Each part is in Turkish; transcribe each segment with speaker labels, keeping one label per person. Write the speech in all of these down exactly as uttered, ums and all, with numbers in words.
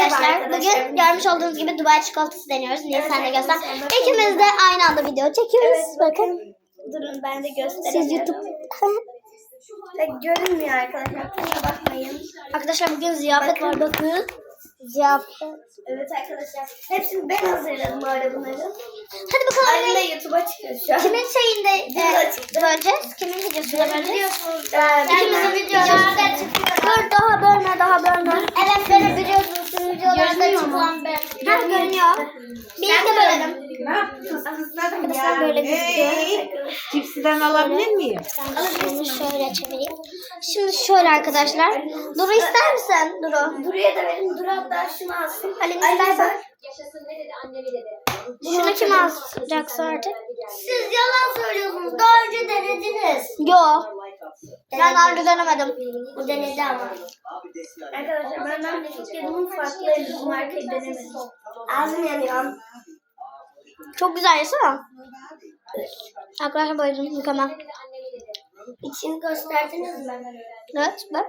Speaker 1: arkadaşlar, bugün görmüş olduğunuz gibi Dubai çikolatası deniyoruz. Niye evet, sen de göster. İkimiz de aynı anda video çekiyoruz. Evet, bakın.
Speaker 2: Durun ben de göstereyim.
Speaker 1: Siz YouTube.
Speaker 2: Pek görünmüyor arkadaşlar. Kusura bakmayın.
Speaker 1: Arkadaşlar bugün ziyafet var bakın. Ziyafet.
Speaker 2: Evet arkadaşlar. Hepsini ben hazırladım bu arada bunları.
Speaker 1: Hadi bakalım.
Speaker 2: Annemle YouTube'a çıkıyor şu an.
Speaker 1: Kimin şeyinde e, böleceğiz? Kimin videosunda böleceğiz? İkimizin videolarında çıkıyor. Dur daha bölme daha bölme.
Speaker 2: Evet beni biliyorsunuz. Sizin videolarda çıkan ben.
Speaker 1: Ha görünüyor. Birlikte bölelim.
Speaker 3: Ne yapıyorsunuz kızlarım
Speaker 1: Arkadaşlar
Speaker 3: ya?
Speaker 1: böyle gözüküyor.
Speaker 3: Cipsiden alabilir miyim?
Speaker 1: Şunu şöyle çevireyim. Şimdi şöyle arkadaşlar. Duru ister misin? Duru.
Speaker 2: Duru'ya da verin. Duru hatta şunu alsın.
Speaker 1: Halim istersen.
Speaker 4: Yaşasın ne dedi annemi dedi.
Speaker 1: Şunu kim alacaksa artık?
Speaker 2: Siz yalan söylüyorsunuz. Daha önce denediniz.
Speaker 1: Yo. Ben daha önce denemedim.
Speaker 2: Bu denedi ama. Arkadaşlar benden de çok yedim farklı bu markayı denemedim. Ağzım yanıyor.
Speaker 1: Çok güzel yesene. Arkadaşlar böyle mükemmel.
Speaker 2: İçini gösterdiniz mi?
Speaker 1: Evet bak.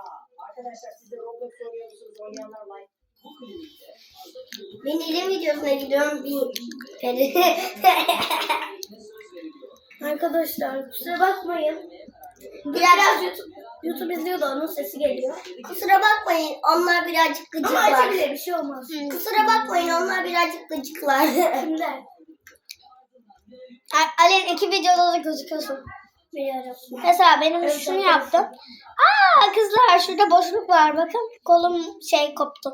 Speaker 2: Ben ilim videosuna gidiyorum. Bir Arkadaşlar kusura bakmayın. Biraz YouTube, YouTube izliyor da onun sesi geliyor. Kusura bakmayın onlar birazcık gıcıklar. Ama bile bir şey olmaz. Hmm. Kusura bakmayın onlar birazcık gıcıklar. Kimler?
Speaker 1: Ali'nin iki videoda da gözüküyorsun.
Speaker 2: Biliyorum.
Speaker 1: Mesela benim evet, şunu evet. yaptım. Aa kızlar şurada boşluk var bakın. Kolum şey koptu.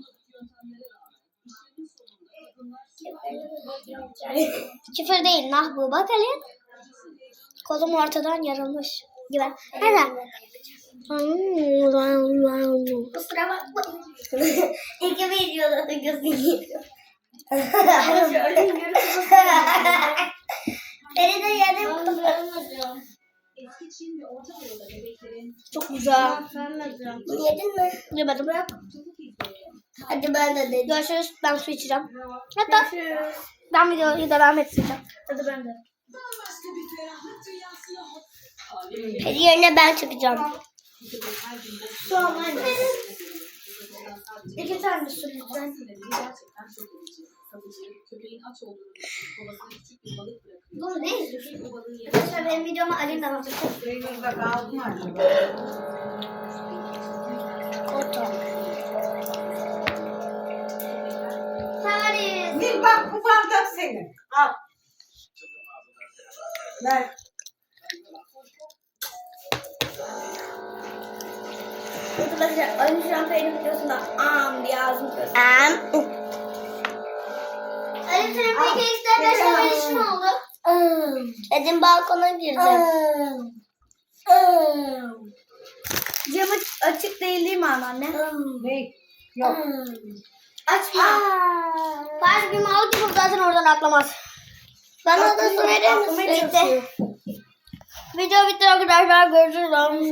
Speaker 1: Küfür değil nah bu bak Ali. Kolum ortadan yarılmış gibi. Neden?
Speaker 2: Kusura bakmayın. İki videoda da gözüküyor. Beni de yedim.
Speaker 1: Çok güzel.
Speaker 2: Yedin mi?
Speaker 1: Yemedim.
Speaker 2: Hadi ben de dedim.
Speaker 1: Görüşürüz. Ben su içeceğim. Hatta
Speaker 2: Görüşürüz.
Speaker 1: ben videoyu devam edeceğim.
Speaker 2: Hadi ben de. Hadi yerine ben çıkacağım. Su almayın. İki tane su lütfen. Bunu ne izliyorsun? Arkadaşlar benim videomu Ali'nin anlatacak.
Speaker 3: Burada kaldı mı acaba?
Speaker 2: Koto. Paris.
Speaker 3: Bir bak bu bardak senin. Al. Ver.
Speaker 2: Arkadaşlar Ali Şampiyon'un videosunda am diye ağzını kırdı. Am. Ali senin peki eksterden şöyle ne oldu? Dedim balkona girdim. Camı açık değil değil mi anneanne?
Speaker 3: Ne? Yok.
Speaker 2: Açma.
Speaker 1: Paris bir mal gibi zaten oradan atlamaz.
Speaker 2: Bana da su verir misin?
Speaker 1: Video bitti arkadaşlar. Görüşürüz.